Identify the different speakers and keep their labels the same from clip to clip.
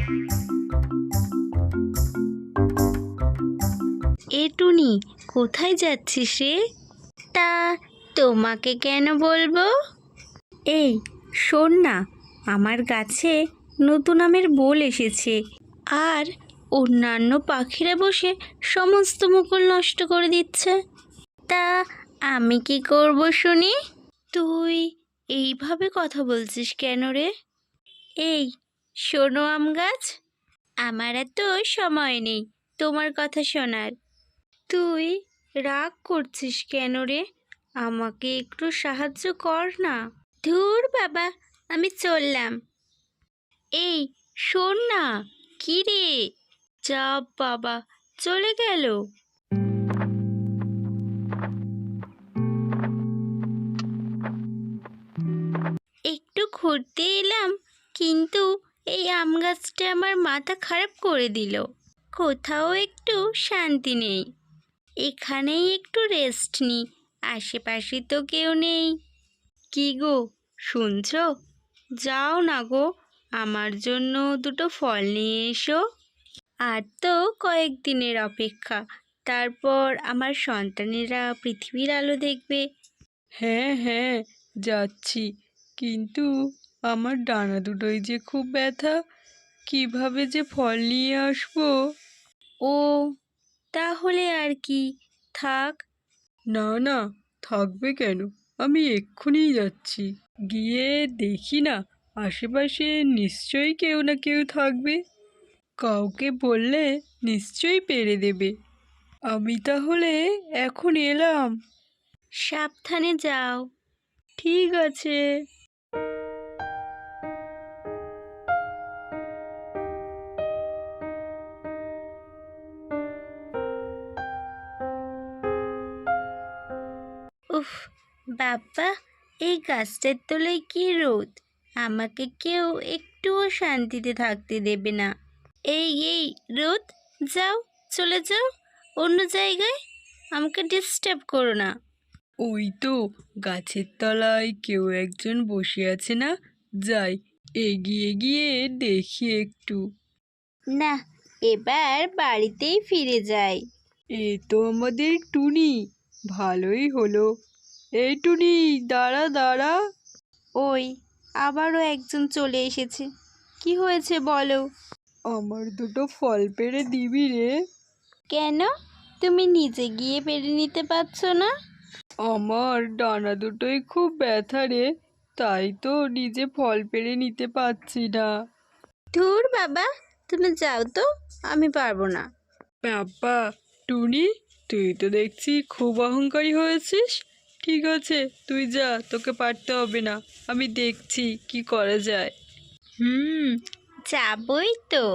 Speaker 1: এ টুনি, কোথায় যাচ্ছিস রে? তা তোমাকে কেন বলবো? এই শোন না, আমার গাছে নতুন আমের বোল এসেছে, আর অন্যান্য পাখিরা বসে সমস্ত মুকুল নষ্ট করে দিচ্ছে। তা আমি কি করব শুনি? তুই এইভাবে কথা বলছিস কেন রে? এই শোনো আম গাছ, আমার এত সময় নেই তোমার কথা শোনার। তুই রাগ করছিস কেন রে? আমাকে একটু সাহায্য কর না। ধুর বাবা, আমি চললাম। এই শোন না, কি রে? যা বাবা, চলে গেল। একটু ঘুরতে এলাম, কিন্তু এই আম গাছটা আমার মাথা খারাপ করে দিল। কোথাও একটু শান্তি নেই। এখানেই একটু রেস্ট নি, আশেপাশে তো কেউ নেই। কি গো, শুনছো? যাও না গো, আমার জন্য দুটো ফল নিয়ে এসো। আর তো কয়েকদিনের অপেক্ষা, তারপর আমার সন্তানেরা পৃথিবীর আলো দেখবে।
Speaker 2: হ্যাঁ হ্যাঁ, যাচ্ছি, কিন্তু আমার ডানা দুটোই যে খুব ব্যথা, কিভাবে যে ফল নিয়ে আসবো।
Speaker 1: ও, তাহলে আর কি, থাক।
Speaker 2: না না, থাকবে কেন, আমি এক্ষুনি যাচ্ছি। গিয়ে দেখি না, আশেপাশে নিশ্চয়ই কেউ না কেউ থাকবে। কাউকে বললে নিশ্চয়ই পেরে দেবে। আমি তাহলে এখন এলাম।
Speaker 1: সাবধানে যাও।
Speaker 2: ঠিক আছে।
Speaker 1: উফ বাবা, এই গাছটার তলায় কি রোদ! আমাকে কেউ একটুও শান্তিতে থাকতে দেবে না। এই রোদ, যাও, চলে যাও অন্য জায়গায়, আমাকে ডিস্টার্ব করো না।
Speaker 2: ওই তো গাছের তলায় কেউ একজন বসে আছে না, যাই, এগিয়ে গিয়ে দেখি একটু।
Speaker 1: না, এবার বাড়িতেই ফিরে যাই।
Speaker 2: এ তো আমাদের টুনি, ভালোই হলো। এই টুনি, দাঁড়া দাঁড়া।
Speaker 1: ওই আবারও একজন চলে এসেছে। কি হয়েছে বলো?
Speaker 2: আমার দুটো ফল পেড়ে দিবি রে?
Speaker 1: কেন, তুমি নিজে গিয়ে পেরে নিতে পারছো না?
Speaker 2: আমার ডানা দুটোই খুব ব্যথা রে, তাই তো নিজে ফল পেড়ে নিতে পারছি না।
Speaker 1: ধুর বাবা, তুমি যাও তো, আমি পারবো না।
Speaker 2: বাবা, টুনি, তুই তো দেখছি খুব অহংকারী হয়েছিস। ঠিক আছে, তুই যা, তোকে পারতে হবে না, আমি দেখছি কি করা যায়।
Speaker 1: যাবই তো।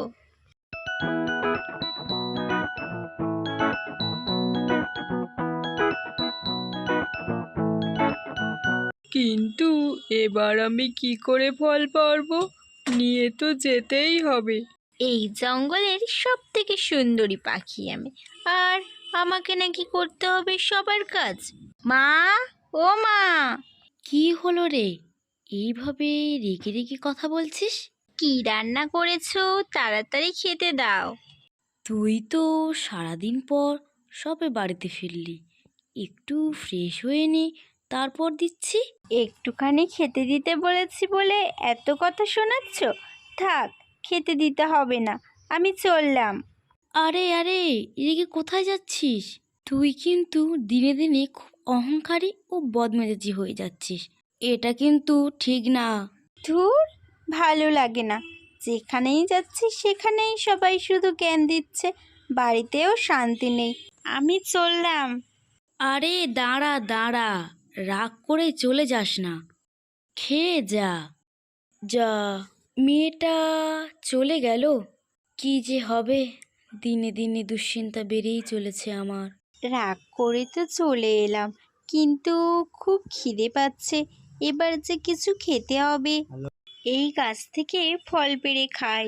Speaker 2: কিন্তু এবার আমি কি করে ফল পারবো? নিয়ে তো যেতেই হবে।
Speaker 1: এই জঙ্গলের সব থেকে সুন্দরী পাখি আমি, আর আমাকে নাকি করতে হবে সবার কাজ। মা, ও মা! কি হলো রে, এইভাবে রেগে রেগে কথা বলছিস? কি রান্না করেছো, তাড়াতাড়ি খেতে দাও।
Speaker 3: তুই তো সারাদিন পর সবে বাড়িতে ফিরলি, একটু ফ্রেশ হয়ে নে, তারপর দিচ্ছি।
Speaker 1: একটুখানি খেতে দিতে বলেছি বলে এত কথা শোনাচ্ছ? থাক, খেতে দিতে হবে না, আমি চললাম।
Speaker 3: আরে আরে, এদিকে কোথায় যাচ্ছিস? তুই কিন্তু দিনে দিনে খুব অহংকারী ও বদমেজাজি হয়ে যাচ্ছিস, এটা কিন্তু ঠিক না।
Speaker 1: ধুর, ভালো লাগে না। যেখানেই যাচ্ছি সেখানেই সবাই শুধু জ্ঞান দিচ্ছে, বাড়িতেও শান্তি নেই। আমি চললাম।
Speaker 3: আরে দাঁড়া দাঁড়া, রাগ করে চলে যাস না, খেয়ে যা। যা, মেয়েটা চলে গেল, কি যে হবে, দিনে দিনে দুশ্চিন্তা বেড়েই চলেছে আমার।
Speaker 1: রাগ করে তো চলে এলাম, কিন্তু খুব খিদে পাচ্ছে। এবার যে কিছু খেতে হবে। এই গাছ থেকে ফল পেড়ে খাই।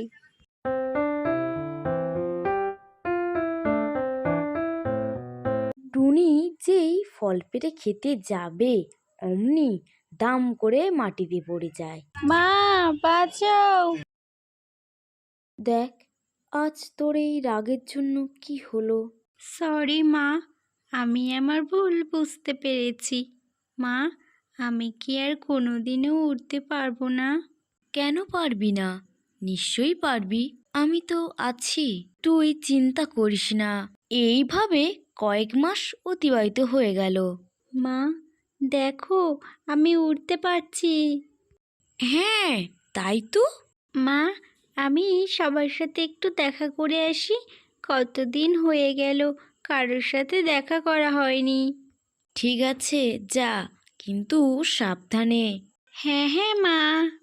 Speaker 3: টুনি যেই ফল পেড়ে খেতে যাবে, অমনি দাম করে মাটিতে পড়ে যায়।
Speaker 1: মা, বাঁচাও!
Speaker 3: দেখ আজ তোর এই রাগের জন্য কি হলো।
Speaker 1: সরি মা, আমি আমার ভুল বুঝতে পেরেছি। মা, আমি কি আর কোনোদিনও উঠতে পারবো না?
Speaker 3: কেন পারবি না? নিশ্চয়ই পারবি, আমি তো আছি। তুই চিন্তা করিস না। এইভাবে কয়েক মাস অতিবাহিত হয়ে গেল।
Speaker 1: মা, দেখো আমি উঠতে পারছি।
Speaker 3: হ্যাঁ, তাই তো।
Speaker 1: মা, আমি সবার সাথে একটু দেখা করে আসি। কতদিন হয়ে গেল কারোর সাথে দেখা করা হয়নি।
Speaker 3: ঠিক আছে, যা, কিন্তু সাবধানে।
Speaker 1: হ্যাঁ হ্যাঁ মা।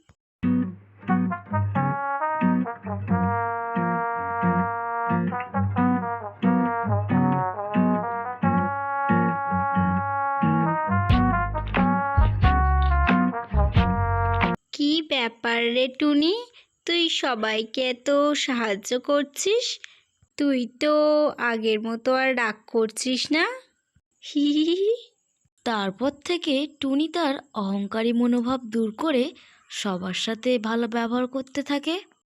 Speaker 1: কি ব্যাপার রে টুনি, তুই সবাইকে এত সাহায্য করছিস? তুই তো আগের মতো আর রাগ করছিস না। হি হি হি হি।
Speaker 3: তারপর থেকে টুনি তার অহংকারী মনোভাব দূর করে সবার সাথে ভালো ব্যবহার করতে থাকে।